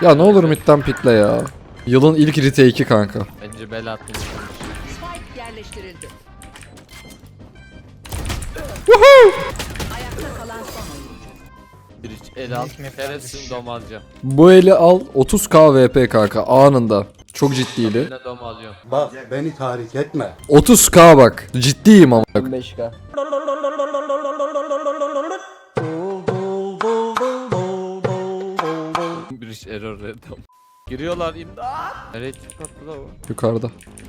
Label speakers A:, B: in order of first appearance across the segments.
A: Ya ne olur midden pikle ya. Yılın ilk retake'i kanka.
B: Bence bel attım.
C: Spike yerleştirildi. Ayakta kalan son oyuncu.
B: Bir iç el al. Şerefsin dom alacağım.
A: Bu eli al 30k VP kanka anında. Çok ciddiydi.
B: Yine dom alıyorum.
D: Bak beni tahrik etme.
A: 30k bak. Ciddiyim ama.
E: 15k.
B: Bir iç error random. Giriyorlar imdat. Nereye çıkarttılar o?
A: Yukarıda.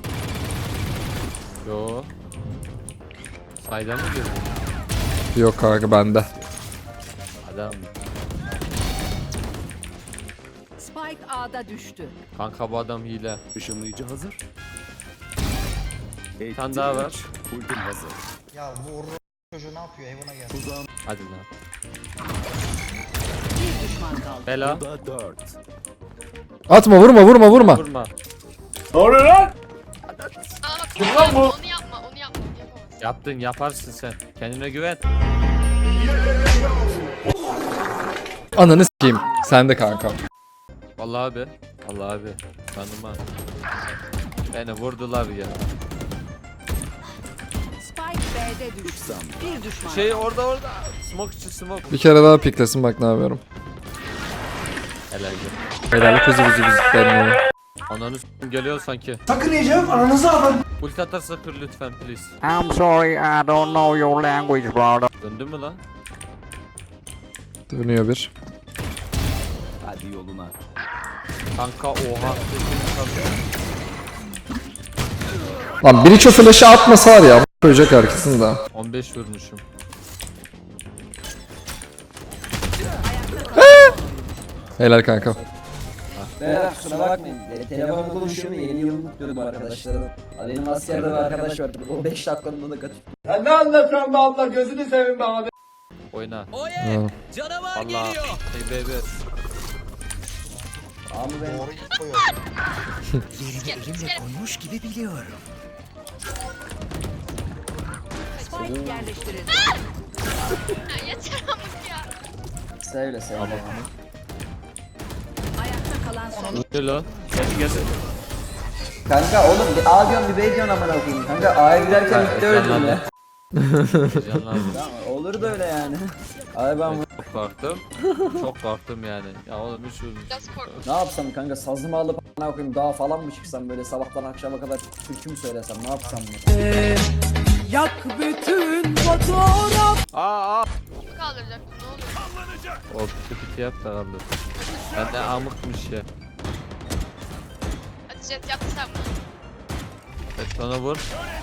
B: Yo. Saydan mı girdin?
A: Yok kanka bende.
B: Adam.
C: Spike A'da düştü.
B: Kanka bu adam hile.
F: Işınlayıcı hazır.
B: Bir tane daha var.
F: Ultim hazır.
G: Ya bu çocuğu ne yapıyor? Evine gel.
F: Tuzağım
B: Hadi lan.
C: Bir düşman kaldı.
B: Bela.
F: da 4.
A: Atma vurma.
B: Vurma.
H: Onu yapma, onu yapamazsın.
B: Yaptın yaparsın sen. Kendine güven.
A: Ananı s**eyim. Sen de kanka.
B: Vallahi abi. Vallahi abi. Tanıma. Beni vurdular ya.
C: Spike B'de düştü. Bir düşman.
B: Şey orada. Smoke içi smoke.
A: Bir kere daha piklesin bak ne yapıyorum.
B: Helal.
A: Helal kızı bizi bizden.
B: Ananı s**tim geliyor sanki.
G: Sakın yiyeceğim ananızı alın.
B: Ulti atarsa kır lütfen please.
I: I'm sorry, I don't know your language, brother.
B: Döndü mü lan?
A: Dönüyor bir.
F: Hadi yoluna.
B: Kanka oha.
A: Lan biri şu flash'ı atmasa var ya. Koyacak herkesin de.
B: 15 vurmuşum.
A: Helal kanka.
E: Beyler kusura bakmayın. Telefonla konuşuyorum yeni yılını kutluyorum arkadaşlarım. Benim askerde bir arkadaş var. O 5 dakikanın onu kaçırdı.
B: Oyna.
A: Ha.
B: Allah. Hey baby.
E: Ama ben
G: Doğru koyuyor.
C: Spike yerleştirildi.
H: Ya yeter amık ya.
E: söyle.
C: Ayakta kalan son oyuncu.
B: Ne lan? Gel.
E: Kanka oğlum bir A diyorsun bir B diyorsun amına koyayım. Kanka A'ya giderken bitti öldüm ya.
B: Heyecanlandım.
E: Tamam olur da öyle yani. Abi ben
B: Çok korktum. Çok korktum yani. Ya oğlum hiç vurmuş.
H: Biraz korktum.
E: ne yapsam kanka sazımı alıp amına koyayım dağa falan mı çıksam böyle sabahtan akşama kadar türkü mü söylesem ne yapsam ya?
B: Aa.
H: Kimi kaldıracaktım ne oluyor?
B: O piti yap da kaldı. Ben de amıkmış ya.
H: Hadi Jet yap sen bunu.
B: Evet sana vur.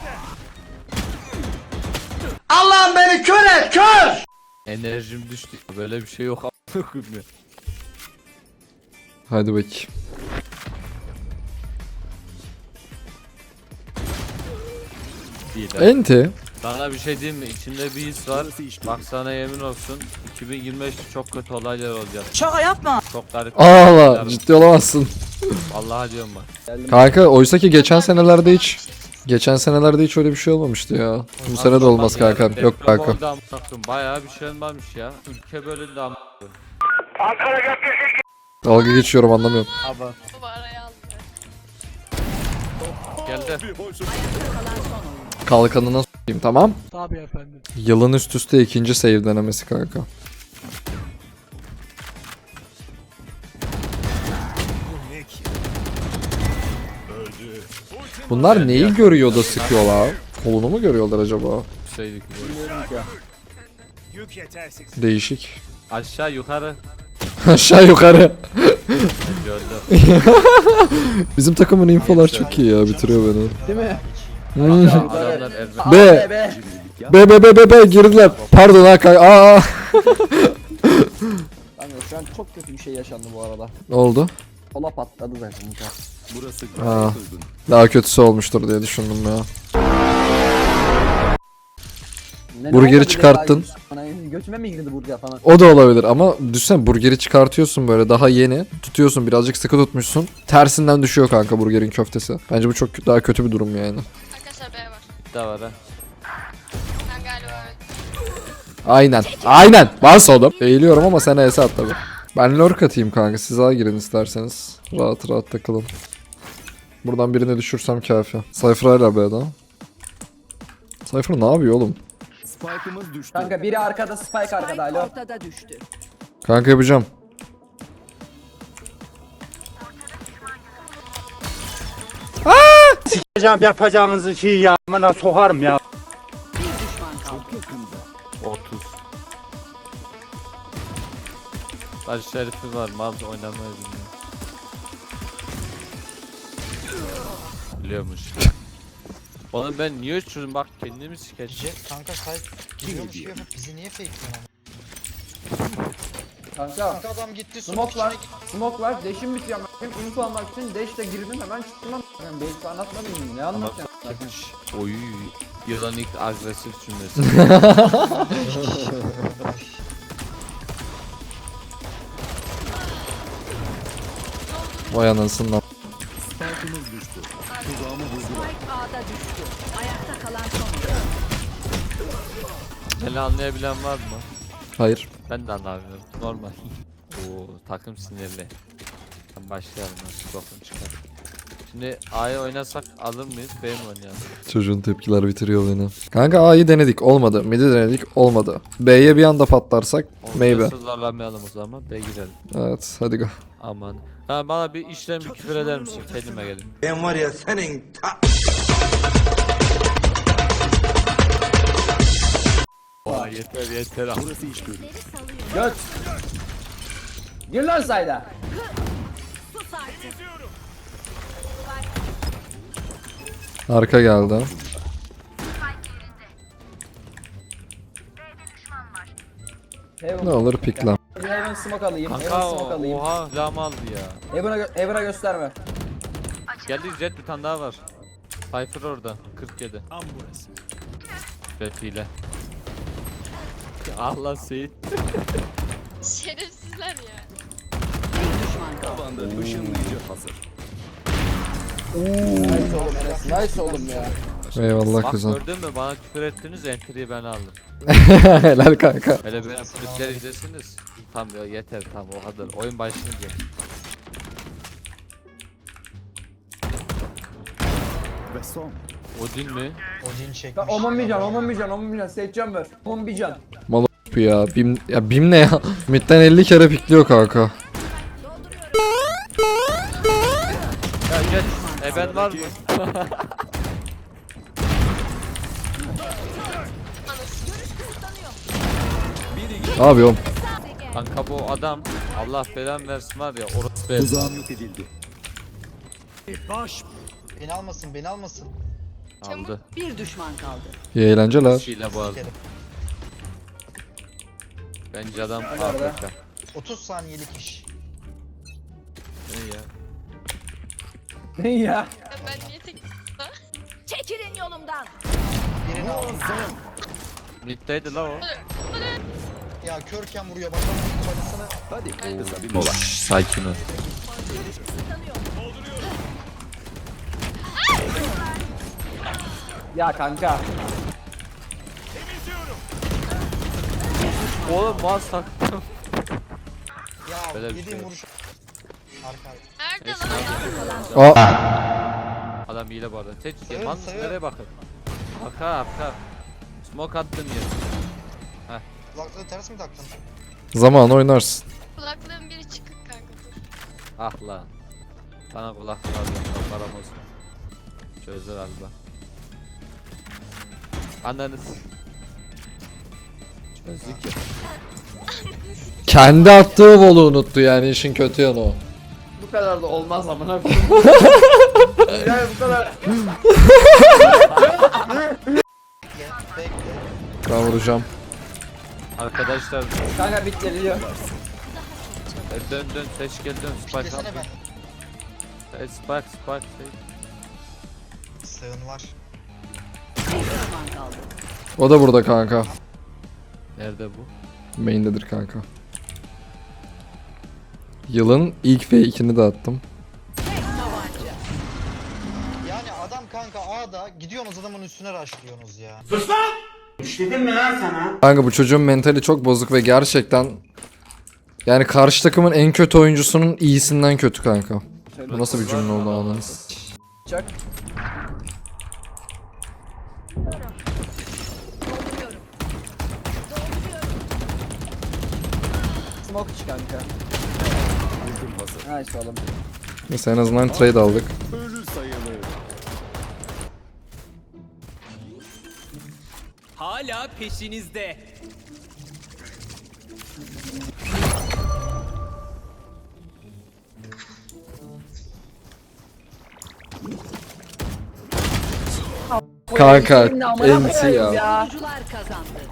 G: Allah'ım beni kör et kör!
B: Enerjim düştü. Böyle bir şey yok amıkım ya.
A: Hadi bakayım.
B: Değil ha.
A: Enti.
B: Sana bir şey diyeyim mi? İçimde bir his var. Bak sana yemin olsun. 2025 çok kötü olaylar olacak.
C: Şaka yapma.
B: Çok garip.
A: Allah ciddi olamazsın.
B: Vallahi diyorum bak.
A: Kanka oysa ki geçen senelerde hiç öyle bir şey olmamıştı ya. Bu sene de olmaz kanka. Yok
B: Deprem
A: kanka.
B: oldu amına koyayım. Bayağı bir şey olmamış ya. Ülke bölündü amına koyayım.
A: Dalga geçiyorum anlamıyorum.
B: Abi
H: Baba araya aldı.
B: geldi.
F: Bir boşluk.
C: Kalan son oyuncu.
A: Kalkanına s**eyim tamam. Tabii efendim. Yılın üst üste ikinci save denemesi kanka. Bunlar neyi görüyor da sıkıyorlar? Kolunu mu görüyorlar acaba?
B: Şeydik.
A: Değişik.
B: Aşağı yukarı.
A: Aşağı yukarı.
B: Gördüm.
A: Bizim takımın infolar çok iyi ya bitiriyor beni.
E: Değil mi?
A: Hmm.
B: Adamlar Ermen.
A: B. B girdiler. Pardon ha kanka. Aa.
E: Kanka şu an çok kötü bir şey yaşandı bu arada.
A: Ne oldu?
E: Kola patladı zaten.
F: Burası
A: Aa.
F: gayet uygun.
A: Daha kötüsü olmuştur diye düşündüm ya. Burgeri çıkarttın.
E: Götüme mi girdi burger falan?
A: O da olabilir ama düşünsene burgeri çıkartıyorsun böyle daha yeni. Tutuyorsun birazcık sıkı tutmuşsun. Tersinden düşüyor kanka burgerin köftesi. Bence bu çok daha kötü bir durum yani.
H: Arkadaşlar B var.
B: Bir daha var ha.
H: Ben galiba evet.
A: Aynen. Aynen. Varsa o da. Eğiliyorum ama sen ES at tabi. Ben lurk atayım kanka. Siz A girin isterseniz. Rahat rahat takılın. Buradan birini düşürsem kafi. Cypher hala B'da. Cypher ne yapıyor oğlum?
F: Spike'ımız düştü.
E: Kanka biri arkada, Spike arkada.
C: Spike
E: Alo.
C: ortada düştü.
A: Kanka yapacağım.
G: Yapacağınızı şey ya. Bana sokarım ya.
C: Bir düşman kaldı.
B: 30. Baş şerifi var. Mal oynamayı bilmiyor. Biliyormuş. Onu ben niye uçurdum bak kendimi sikeceğim.
G: Kanka sahip gidiyormuş gibi yapıp bizi niye fake'liyorsun?
E: Kanka.
G: Kanka adam gitti
E: Smoke var. Smoke var. Dash'im bitiyor. Benim info almak için dash'te girdim hemen çıktım ama. Yani belki anlatmadım mı? Ne anlatacağım?
B: Oy. Yılan ilk agresif cümlesi.
A: Vay anasından.
F: Spike'ımız düştü. Tuzağımı vurdular.
C: Spike A'da düştü. Ayakta kalan son oyuncu.
B: Beni anlayabilen var mı?
A: Hayır.
B: Ben de anlamıyorum. Normal. Oo takım sinirli. Ben başlayalım nasıl bakın çıkar. Şimdi A'ya oynasak alır mıyız? B mi oynayalım?
A: Çocuğun tepkiler bitiriyor beni. Kanka A'yı denedik olmadı. Mid'i denedik olmadı. B'ye bir anda patlarsak maybe.
B: Olmazsa zorlamayalım o zaman. B girelim.
A: Evet hadi go.
B: Aman. Ha bana bir işlem bir küfür eder misin? Kendime gelin.
G: Ben var ya senin
B: Vay yeter yeter.
F: Burası iş görür.
E: Göt. Gir lan sayda.
A: Arka geldi.
E: Heaven.
A: Ne olur pikle.
E: Heaven smoke alayım.
B: Kanka
E: Heaven smoke alayım.
B: oha silahımı aldı ya.
E: Heaven'a gösterme.
B: Geldi jet bir tane daha var. Cypher orada 47.
F: Tam burası.
B: Jet ile. Allah Seyit.
H: Şerefsizler ya.
C: Bir düşman kaldı.
F: Tabanda ışınlayıcı hazır.
E: Nice oğlum Enes. Nice oğlum ya.
A: Eyvallah
B: Bak
A: güzel.
B: gördün mü bana küfür ettiniz entry'yi ben aldım.
A: Helal kanka.
B: Hele benim flütler izlesiniz. Tam ya yeter tam o kadar. Oyun başlayınca.
F: Ve son.
B: Odin mi?
G: Odin çekmiş.
E: Lan Oman bir can, Oman bir can, Oman bir can. Seçeceğim ver. Oman bir can.
A: Mal o- ya. Bim ne ya? Mid'den 50 kere pikliyor kanka.
B: Ya jet. Ben var mı?
A: Ne yapıyorum?
B: Kanka bu adam Allah belan versin var ya orası be.
F: Tuzağım yok edildi. Baş.
G: Beni almasın beni almasın.
B: Aldı.
C: Bir düşman kaldı.
A: İyi eğlenceler.
B: Şeyle bu arada.
G: Sikerim.
B: Bence adam
E: Nerede?
B: AFK.
G: 30 saniyelik iş.
B: Ne ya?
E: Ne ya?
H: Ben niye tek...
C: Çekilin yolumdan.
G: Birini aldım.
B: Mid'deydi la o.
G: Ya körken vuruyor bakalım kafasına.
F: Hadi kısa bir mola.
B: Sakin ol.
E: Ya kanka.
B: Oğlum mal saktım.
G: Ya
B: Böyle bir
G: yediğim
B: şey.
G: vuruş. Arka.
H: Nerede
B: Neyse,
H: lan?
A: Aa,
B: Adam hile bu arada. Seç
G: Sayın,
B: yaman
G: sayın.
B: nereye bakın? Arka. Smoke attın ya.
G: Kulaklığı ters mi taktın?
A: zaman oynarsın.
H: Kulaklığın biri çıkık kanka dur.
B: Ah lan. Bana kulak lazım. Param olsun. Çözdü galiba. Ananız. Çözdük ya.
A: Kendi attığı bolu unuttu yani işin kötü yanı o.
E: Bu kadar da olmaz amına koyayım. Ya bu kadar.
G: Bekle.
A: Ben vuracağım.
B: Arkadaşlar
E: Kanka bit geliyor.
B: dön seç gel dön spike al.
G: Desene ben.
B: Spike.
G: Sığın var.
C: Bir düşman kaldı.
A: O da burada kanka.
B: Nerede bu?
A: Main'dedir kanka. Yılın ilk fake'ini de attım.
G: Yani adam kanka A'da gidiyorsunuz adamın üstüne rushlıyorsunuz ya.
A: Kanka bu çocuğun mentali çok bozuk ve gerçekten Yani karşı takımın en kötü oyuncusunun iyisinden kötü kanka.
E: Söyle.
A: Bu nasıl bir cümle oldu anladınız?
E: Çak. Smoke iç kanka.
F: Ultim hazır.
E: Nice oğlum.
A: Neyse en azından trade aldık.
F: Ölü sayılır.
J: Hala peşinizde.
A: Kanka
E: Senin amına
A: enti
E: koyayım
A: ya.
C: Oyuncular kazandı.